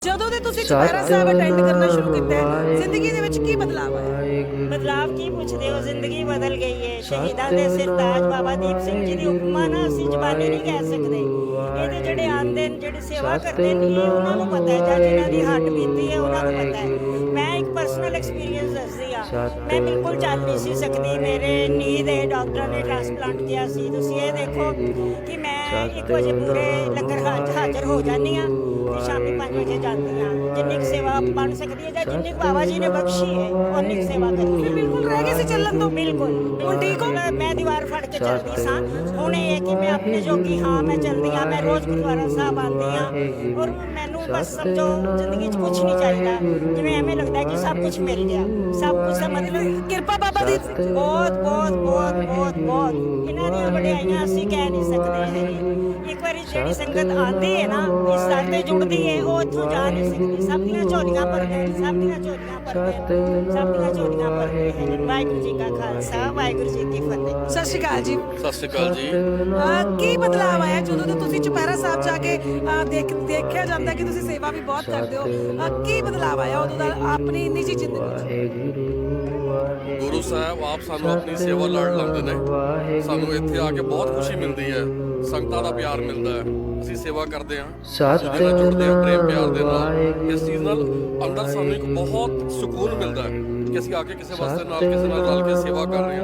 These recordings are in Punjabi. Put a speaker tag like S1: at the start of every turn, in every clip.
S1: ਜਦੋਂ ਦੇ ਤੁਸੀਂ ਚੁਪਹਿਰਾ ਸਾਹਿਬ ਅਟੈਂਡ ਕਰਨਾ ਸ਼ੁਰੂ ਕੀਤਾ ਹੈ, ਜ਼ਿੰਦਗੀ ਦੇ ਵਿੱਚ ਕੀ ਬਦਲਾਅ ਆਇਆ?
S2: ਬਦਲਾਵ ਕੀ ਪੁੱਛਦੇ ਹੋ? ਜ਼ਿੰਦਗੀ ਬਦਲ ਗਈ ਹੈ। ਸ਼ਹੀਦਾਂ ਦੇ ਸਰਤਾਜ ਬਾਬਾ ਦੀਪ ਸਿੰਘ ਜੀ ਦੀ ਉਪਮਾ ਨਾ ਅਸੀਂ ਜ਼ਬਾਨੀ ਨਹੀਂ ਕਹਿ ਸਕਦੇ। ਇਹਦੇ ਜਿਹੜੇ ਆਂਦੇ ਨੇ, ਜਿਹੜੇ ਸੇਵਾ ਕਰਦੇ ਨੇ, ਇਹ ਉਹਨਾਂ ਨੂੰ ਪਤਾ ਹੈ, ਜਾਂ ਜਿਨ੍ਹਾਂ ਦੀ ਹੱਡ ਬੀਤੀ ਹੈ ਉਹਨਾਂ ਨੂੰ ਪਤਾ ਹੈ। ਮੈਂ ਇੱਕ ਪਰਸਨਲ ਐਕਸਪੀਰੀਅੰਸ ਦੱਸਦੀ ਆ। ਮੈਂ ਬਿਲਕੁਲ ਚੱਲ ਨਹੀਂ ਸੀ ਸਕਦੀ। ਮੇਰੇ ਨੀ ਦੇ ਡਾਕਟਰ ਨੇ ਟ੍ਰਾਂਸਪਲਾਂਟ ਕੀਤਾ ਸੀ। ਤੁਸੀਂ ਇਹ ਦੇਖੋ ਕਿ ਮੈਂ 1 ਵਜੇ ਪੂਰੇ ਲੰਗਰ ਹਾਜ਼ਰ ਹੋ ਜਾਂਦੀ ਆ ਤੇ ਸ਼ਾਮੀ 5 ਵਜੇ ਜਾਂਦੀ ਆ। ਜਿੰਨੀ ਕੁ ਸੇਵਾ ਬਣ ਸਕਦੀ ਹੈ ਜਾਂ ਜਿੰਨੀ ਕੁ ਬਾਬਾ ਜੀ ਨੇ ਬਖਸ਼ੀ ਹੈ ਉਨੀ ਕੁ ਸੇਵਾ ਕਰਦੀ ਹਾਂ।
S1: ਬਿਲਕੁਲ ਰਹਿ ਗਏ ਸੀ ਚੱਲਣ ਤੋਂ।
S2: ਬਿਲਕੁਲ ਹੁਣ ਠੀਕ ਹੋ। ਮੈਂ ਦੀਵਾਰ ਫੜ ਕੇ ਚੱਲਦੀ ਸਾਂ। ਹੁਣ ਇਹ ਹੈ ਕਿ ਮੈਂ ਆਪਣੇ ਜੋਗੀ ਹਾਂ, ਮੈਂ ਚੱਲਦੀ ਹਾਂ। ਮੈਂ ਰੋਜ਼ ਗੁਰਦੁਆਰਾ ਸਾਹਿਬ ਆਉਂਦੀ ਹਾਂ ਔਰ ਮੈਨੂੰ ਬਸ ਸਮਝੋ ਜ਼ਿੰਦਗੀ 'ਚ ਕੁਛ ਨਹੀਂ ਚਾਹੀਦਾ। ਜਿਵੇਂ ਐਵੇਂ ਲੱਗਦਾ ਕਿ ਸਭ ਕੁਛ ਮਿਲ ਗਿਆ। ਸਭ ਕੁਛ ਦਾ ਮਤਲਬ
S1: ਕਿਰਪਾ ਬਾਬਾ ਦੀ
S2: ਬਹੁਤ ਬਹੁਤ ਬਹੁਤ ਬਹੁਤ ਬਹੁਤ ਇਹਨਾਂ ਦੀਆਂ ਵਡਿਆਈਆਂ ਅਸੀਂ ਕਹਿ ਨਹੀਂ ਸਕਦੇ ਹੈਗੇ। ਇੱਕ ਵਾਰੀ ਜਿਹੜੀ ਸੰਗਤ ਆਉਂਦੀ ਹੈ ਨਾ, ਇਸ ਦਰ ਤੇ ਜੁੜਦੀ ਹੈ, ਉਹ ਇੱਥੋਂ ਜਾ ਨਹੀਂ ਸਕਦੀ। ਸਭ ਦੀਆਂ ਝੋਲੀਆਂ ਭਰਦੇ ਨੇ, ਸਭ ਦੀਆਂ ਝੋਲੀਆਂ ਭਰਦੇ ਨੇ, ਸਭ ਦੀਆਂ ਝੋਲੀਆਂ ਭਰਦੇ ਨੇ। ਵਾਹਿਗੁਰੂ ਜੀ ਕਾ ਖਾਲਸਾ, ਵਾਹਿਗੁਰੂ ਜੀ ਕੀ ਫਤਿਹ।
S1: ਸਤਿ ਸ਼੍ਰੀ ਅਕਾਲ ਜੀ।
S3: ਸਤਿ ਸ਼੍ਰੀ ਅਕਾਲ ਜੀ।
S1: ਕੀ ਬਦਲਾਅ ਆਇਆ ਜਦੋਂ ਦੇ ਤੁਸੀਂ ਚੁਪਹਿਰਾ ਸਾਹਿਬ ਜਾ ਕੇ ਦੇਖਿਆ ਜਾਂਦਾ ਕਿ ਤੁਸੀਂ ਸੇਵਾ ਵੀ ਬਹੁਤ ਕਰਦੇ ਹੋ? ਕੀ ਬਦਲਾਅ ਆਇਆ ਉਦੋਂ ਦਾ ਆਪਣੀ ਨਿੱਜੀ ਜ਼ਿੰਦਗੀ 'ਚ?
S3: ਗੁਰੂ ਸਾਹਿਬ ਆਪ ਸਾਨੂੰ ਆਪਣੀ ਸੇਵਾ ਲੜ ਲਾਉਂਦੇ ਨੇ। ਸਾਨੂੰ ਇੱਥੇ ਆ ਕੇ ਬਹੁਤ ਖੁਸ਼ੀ ਮਿਲਦੀ ਹੈ, ਸੰਗਤਾਂ ਦਾ ਪਿਆਰ ਮਿਲਦਾ ਹੈ। ਅਸੀਂ ਸੇਵਾ ਕਰਦੇ ਹਾਂ, ਜਿਹਦੇ ਨਾਲ ਜੁੜਦੇ ਹਾਂ ਪ੍ਰੇਮ ਪਿਆਰ ਦੇ ਨਾਲ। ਇਸ ਚੀਜ਼ ਨਾਲ ਅੰਦਰ ਸਾਨੂੰ ਇੱਕ ਬਹੁਤ ਸਕੂਨ ਮਿਲਦਾ ਹੈ ਕਿ ਅਸੀਂ ਆ ਕੇ ਕਿਸੇ ਵਾਸਤੇ ਨਾਲ ਕਿਸੇ ਨਾਲ ਰਲ ਕੇ ਸੇਵਾ ਕਰ ਰਹੇ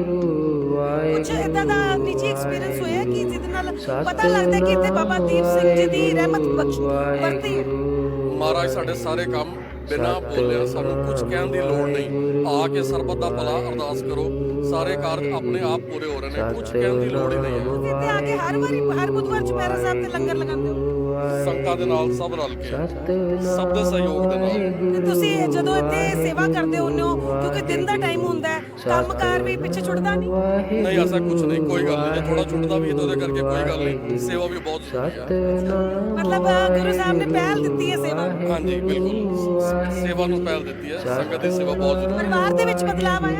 S3: ਹਾਂ।
S1: ਕੁਝ ਇਦਾਂ ਦਾ ਨਿੱਜੀ ਐਕਸਪੀਰੀਅੰਸ ਹੋਇਆ ਕਿ ਜਿਹਦੇ ਨਾਲ ਪਤਾ ਲੱਗਦਾ ਕਿ ਇੱਥੇ ਬਾਬਾ ਦੀਪ ਸਿੰਘ ਜੀ ਦੀ ਰਹਿਮਤ ਬਖਸ਼ ਵਰਤੀ ਹੈ?
S3: ਮਹਾਰਾਜ ਸਾਡੇ ਸਾਰੇ ਕੰਮ ਬਿਨਾਂ ਬੋਲਿਆ, ਸਾਨੂੰ ਕੁਝ ਕਹਿਣ ਦੀ ਲੋੜ ਨਹੀਂ। ਆ ਕੇ ਸਰਬਤ ਦਾ ਭਲਾ ਅਰਦਾਸ ਕਰੋ, ਸਾਰੇ ਕਾਰਜ ਆਪਣੇ ਆਪ ਪੂਰੇ ਹੋ ਰਹੇ ਨੇ। ਕੁਝ ਕਹਿਣ ਦੀ ਲੋੜ ਹੀ ਨਹੀਂ ਹੈ।
S1: ਤੁਸੀਂ ਇੱਥੇ ਆ ਕੇ ਹਰ ਬੁੱਧਵਾਰ ਚੁਪਹਿਰਾ ਸਾਹਿਬ ਤੇ ਲੰਗਰ ਲਗਾਉਂਦੇ ਹੋ?
S3: ਸੰਗਤਾਂ ਦੇ ਨਾਲ ਸਭ ਰਲ ਕੇ, ਸਭ ਦੇ ਸਹਿਯੋਗ ਦੇ ਨਾਲ।
S1: ਤੇ ਤੁਸੀਂ ਜਦੋਂ ਇੱਥੇ ਸੇਵਾ ਕਰਦੇ ਹੁੰਦੇ ਹੋ, ਕਿਉਂਕਿ ਦਿਨ ਦਾ ਟਾਈਮ ਹੁੰਦਾ ਹੈ, ਕੰਮਕਾਰ ਵੀ ਪਿੱਛੇ ਛੁੱਟਦਾ ਨਹੀਂ?
S3: ਨਹੀਂ, ਐਸਾ ਕੁਝ ਨਹੀਂ, ਕੋਈ ਗੱਲ ਨਹੀਂ। ਜੇ ਥੋੜਾ ਛੁੱਟਦਾ ਵੀ ਹੈ ਤਾਂ ਉਹਦੇ ਕਰਕੇ ਕੋਈ ਗੱਲ ਨਹੀਂ। ਸੇਵਾ ਵੀ ਬਹੁਤ ਜ਼ਰੂਰੀ ਹੈ।
S1: ਮਤਲਬ ਗੁਰੂ ਸਾਹਿਬ ਨੇ ਪਹਿਲ ਦਿੱਤੀ ਹੈ ਸੇਵਾ ਨੂੰ।
S3: ਹਾਂਜੀ, ਬਿਲਕੁਲ ਸੇਵਾ ਨੂੰ ਪਹਿਲ ਦਿੱਤੀ ਹੈ। ਸੰਗਤ ਦੀ ਸੇਵਾ ਬਹੁਤ ਜ਼ਰੂਰੀ ਹੈ।
S1: ਪਰਿਵਾਰ ਦੇ ਵਿੱਚ ਬਦਲਾਅ ਆਇਆ?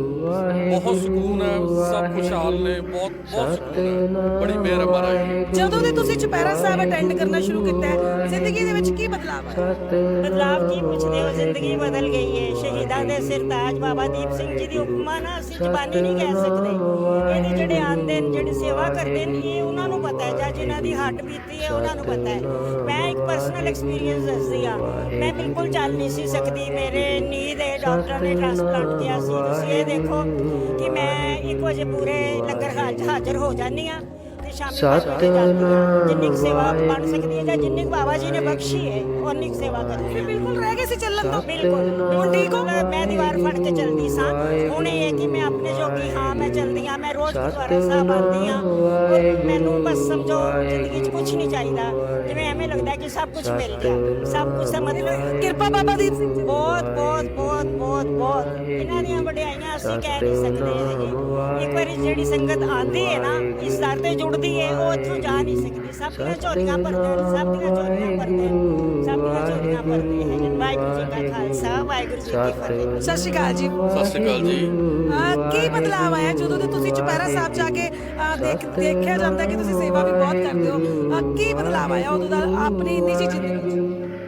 S3: ਬਹੁਤ ਸਕੂਨ ਹੈ, ਸਭ ਖੁਸ਼ਹਾਲ ਨੇ। ਬਹੁਤ ਸਕੂਨ ਹੈ, ਬੜੀ ਮਿਹਰ ਹੈ ਮਹਾਰਾਜ ਦੀ।
S1: ਜਦੋਂ ਦੇ ਤੁਸੀਂ ਚੁਪਹਿਰਾ ਸਾਹਿਬ ਅਟੈਂਡ ਕਰਨਾ ਸ਼ੁਰੂ ਕੀਤਾ ਹੈ, ਜ਼ਿੰਦਗੀ ਦੇ ਵਿੱਚ ਕੀ ਬਦਲਾਅ ਆਇਆ?
S2: ਬਦਲਾਵ ਕੀ ਪੁੱਛਦੇ ਹੋ? ਜ਼ਿੰਦਗੀ ਬਦਲ ਗਈ ਹੈ। ਸ਼ਹੀਦਾਂ ਦੇ ਸਰਤਾਜ ਬਾਬਾ ਦੀਪ ਸਿੰਘ ਜੀ ਦੀ ਉਪਮਾ ਨਾ ਅਸੀਂ ਜ਼ਬਾਨੀ ਨਹੀਂ ਕਹਿ ਸਕਦੇ। ਇਹਦੇ ਜਿਹੜੇ ਆਂਦੇ ਨੇ, ਜਿਹੜੇ ਸੇਵਾ ਕਰਦੇ ਨੇ, ਇਹ ਉਹਨਾਂ ਨੂੰ ਪਤਾ ਹੈ, ਜਾਂ ਜਿਨ੍ਹਾਂ ਦੀ ਹੱਡ ਬੀਤੀ ਹੈ ਉਹਨਾਂ ਨੂੰ ਪਤਾ ਹੈ। ਮੈਂ ਇੱਕ ਪਰਸਨਲ ਐਕਸਪੀਰੀਅੰਸ ਦੱਸਦੀ ਆ। ਮੈਂ ਬਿਲਕੁਲ ਚੱਲ ਨਹੀਂ ਸੀ ਸਕਦੀ। ਮੇਰੇ ਨੀ ਦੇ ਡਾਕਟਰ ਨੇ ਟ੍ਰਾਂਸਪਲਾਂਟ ਕੀਤਾ ਸੀ। ਤੁਸੀਂ ਇਹ ਦੇਖੋ ਕਿ ਮੈਂ 1 ਵਜੇ ਪੂਰੇ ਲੰਗਰ ਹਾਜ਼ਰ ਹੋ ਜਾਂਦੀ ਆ ਤੇ ਸ਼ਾਮੀ 5 ਵਜੇ ਜਾਂਦੀ ਆ। ਜਿੰਨੀ ਕੁ ਸੇਵਾ ਬਣ ਸਕਦੀ ਹੈ ਜਾਂ ਜਿੰਨੀ ਕੁ ਬਾਬਾ ਜੀ ਨੇ ਬਖਸ਼ੀ ਹੈ ਉਨੀ ਕੁ ਸੇਵਾ ਕਰਦੀ ਹਾਂ।
S1: ਬਿਲਕੁਲ ਰਹਿ ਗਏ ਸੀ ਚੱਲਣ ਤੋਂ।
S2: ਬਿਲਕੁਲ ਹੁਣ ਠੀਕ ਹੋ। ਮੈਂ ਦੀਵਾਰ ਫੜ ਕੇ ਚੱਲਦੀ ਸਾਂ। ਹੁਣ ਇਹ ਹੈ ਕਿ ਮੈਂ ਆਪਣੇ ਜੋਗੀ ਹਾਂ, ਮੈਂ ਚੱਲਦੀ ਹਾਂ। ਮੈਂ ਰੋਜ਼ ਗੁਰਦੁਆਰਾ ਸਾਹਿਬ ਆਉਂਦੀ ਹਾਂ ਔਰ ਮੈਨੂੰ ਬਸ ਸਮਝੋ ਜ਼ਿੰਦਗੀ 'ਚ ਕੁਛ ਨਹੀਂ ਚਾਹੀਦਾ। ਜਿਵੇਂ ਐਵੇਂ ਲੱਗਦਾ ਕਿ ਸਭ ਕੁਛ ਮਿਲ ਗਿਆ। ਸਭ ਕੁਛ ਦਾ ਮਤਲਬ
S1: ਕਿਰਪਾ ਬਾਬਾ ਦੀਪ ਸਿੰਘ ਜੀ।
S2: ਬਹੁਤ ਬਹੁਤ ਬਹੁਤ ਬਹੁਤ ਬਹੁਤ ਇਹਨਾਂ ਦੀਆਂ ਵਡਿਆਈਆਂ ਅਸੀਂ ਕਹਿ ਨਹੀਂ ਸਕਦੇ ਹੈਗੇ। ਇੱਕ ਵਾਰੀ ਜਿਹੜੀ ਸੰਗਤ ਆਉਂਦੀ ਹੈ ਨਾ, ਇਸ ਦਰ ਤੇ ਜੁੜਦੀ ਹੈ, ਉਹ ਇੱਥੋਂ ਜਾ ਨਹੀਂ ਸਕਦੀ। ਸਭ ਦੀਆਂ ਝੋਲੀਆਂ ਭਰਦੇ ਨੇ, ਸਭ ਦੀਆਂ ਝੋਲੀਆਂ ਭਰਦੇ ਨੇ, ਸਭ ਦੀਆਂ ਝੋਲੀਆਂ ਭਰਦੇ ਨੇ। ਵਾਹਿਗੁਰੂ ਜੀ ਕਾ ਖਾਲਸਾ, ਵਾਹਿਗੁਰੂ ਜੀ ਕੀ ਫਤਿਹ।
S1: ਸਤਿ ਸ਼੍ਰੀ ਅਕਾਲ ਜੀ।
S3: ਸਤਿ ਸ਼੍ਰੀ ਅਕਾਲ ਜੀ।
S1: ਕੀ ਬਦਲਾਅ ਆਇਆ ਜਦੋਂ ਦੇ ਤੁਸੀਂ ਚੁਪਹਿਰਾ ਸਾਹਿਬ ਜਾ ਕੇ ਦੇਖਿਆ ਜਾਂਦਾ ਕਿ ਤੁਸੀਂ ਸੇਵਾ ਵੀ ਬਹੁਤ ਕਰਦੇ ਹੋ? ਕੀ ਬਦਲਾਅ ਆਇਆ ਉਦੋਂ ਦਾ ਆਪਣੀ ਨਿੱਜੀ ਜ਼ਿੰਦਗੀ 'ਚ?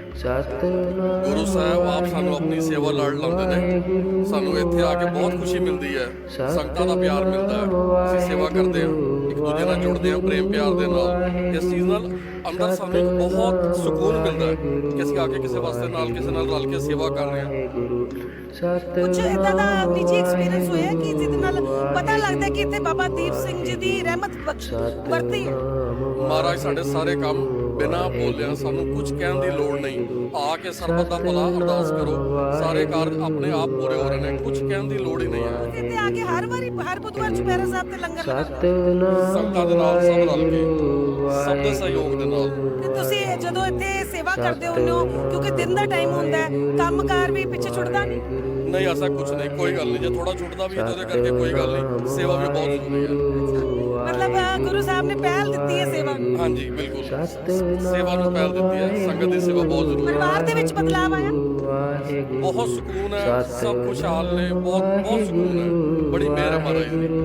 S3: ਗੁਰੂ ਸਾਹਿਬ ਆਪ ਸਾਨੂੰ ਆਪਣੀ ਸੇਵਾ ਲੜ ਲਾਉਂਦੇ ਨੇ। ਸਾਨੂੰ ਇੱਥੇ ਆ ਕੇ ਬਹੁਤ ਖੁਸ਼ੀ ਮਿਲਦੀ ਹੈ, ਸੰਗਤਾਂ ਦਾ ਪਿਆਰ ਮਿਲਦਾ ਹੈ। ਅਸੀਂ ਸੇਵਾ ਕਰਦੇ ਹਾਂ, ਇੱਕ ਦੂਜੇ ਨਾਲ ਜੁੜਦੇ ਹਾਂ ਪ੍ਰੇਮ ਪਿਆਰ ਦੇ ਨਾਲ। ਇਸ ਚੀਜ਼ ਨਾਲ ਅੰਦਰ ਸਾਨੂੰ ਇੱਕ ਬਹੁਤ ਸਕੂਨ ਮਿਲਦਾ ਹੈ ਕਿ ਅਸੀਂ ਆ ਕੇ ਕਿਸੇ ਵਾਸਤੇ ਨਾਲ ਕਿਸੇ ਨਾਲ ਰਲ ਕੇ ਸੇਵਾ ਕਰ ਰਹੇ ਹਾਂ।
S1: ਕੁਝ ਇਦਾਂ ਦਾ ਨਿੱਜੀ ਐਕਸਪੀਰੀਅੰਸ ਹੋਇਆ ਕਿ ਜਿਹਦੇ ਨਾਲ ਪਤਾ ਲੱਗਦਾ ਕਿ ਇੱਥੇ ਬਾਬਾ ਦੀਪ ਸਿੰਘ ਜੀ ਦੀ ਰਹਿਮਤ ਬਖਸ਼ ਵਰਤੀ ਹੈ?
S3: ਮਹਾਰਾਜ ਸਾਡੇ ਸਾਰੇ ਕੰਮ ਬਿਨਾਂ ਬੋਲਿਆ, ਸਾਨੂੰ ਕੁਝ ਕਹਿਣ ਦੀ ਲੋੜ ਨਹੀਂ। ਆ ਕੇ ਸਰਬਤ ਦਾ ਭਲਾ ਅਰਦਾਸ ਕਰੋ, ਸਾਰੇ ਕਾਰਜ ਆਪਣੇ ਆਪ ਪੂਰੇ ਹੋ ਰਹੇ ਨੇ। ਕੁਝ ਕਹਿਣ ਦੀ ਲੋੜ ਹੀ ਨਹੀਂ ਹੈ।
S1: ਤੁਸੀਂ ਇੱਥੇ ਆ ਕੇ ਹਰ ਬੁੱਧਵਾਰ ਚੁਪਹਿਰਾ ਸਾਹਿਬ ਤੇ ਲੰਗਰ ਲਗਾਉਂਦੇ ਹੋ?
S3: ਸੰਗਤਾਂ ਦੇ ਨਾਲ ਸਭ ਰਲ ਕੇ, ਸਭ ਦੇ ਸਹਿਯੋਗ ਦੇ ਨਾਲ।
S1: ਤੇ ਤੁਸੀਂ ਜਦੋਂ ਇੱਥੇ ਸੇਵਾ ਕਰਦੇ ਹੁੰਦੇ ਹੋ, ਕਿਉਂਕਿ ਦਿਨ ਦਾ ਟਾਈਮ ਹੁੰਦਾ ਹੈ, ਕੰਮਕਾਰ ਵੀ ਪਿੱਛੇ ਛੁੱਟਦਾ ਨਹੀਂ?
S3: ਨਹੀਂ, ਐਸਾ ਕੁਝ ਨਹੀਂ, ਕੋਈ ਗੱਲ ਨਹੀਂ। ਜੇ ਥੋੜਾ ਛੁੱਟਦਾ ਵੀ ਹੈ ਤਾਂ ਉਹਦੇ ਕਰਕੇ ਕੋਈ ਗੱਲ ਨਹੀਂ। ਸੇਵਾ ਵੀ ਬਹੁਤ ਜ਼ਰੂਰੀ ਹੈ।
S1: ਮਤਲਬ ਗੁਰੂ ਸਾਹਿਬ ਨੇ ਪਹਿਲ ਦਿੱਤੀ ਹੈ ਸੇਵਾ ਨੂੰ।
S3: ਹਾਂਜੀ, ਬਿਲਕੁਲ ਸੇਵਾ ਨੂੰ ਪਹਿਲ ਦਿੱਤੀ ਹੈ। ਸੰਗਤ ਦੀ ਸੇਵਾ ਬਹੁਤ ਜ਼ਰੂਰੀ ਹੈ।
S1: ਪਰਿਵਾਰ ਦੇ ਵਿੱਚ ਬਦਲਾਅ ਆਇਆ?
S3: ਬਹੁਤ ਸਕੂਨ ਹੈ, ਸਭ ਖੁਸ਼ਹਾਲ ਨੇ। ਬਹੁਤ ਸਕੂਨ ਹੈ, ਬੜੀ ਮਿਹਰ ਹੈ ਮਹਾਰਾਜ ਦੀ।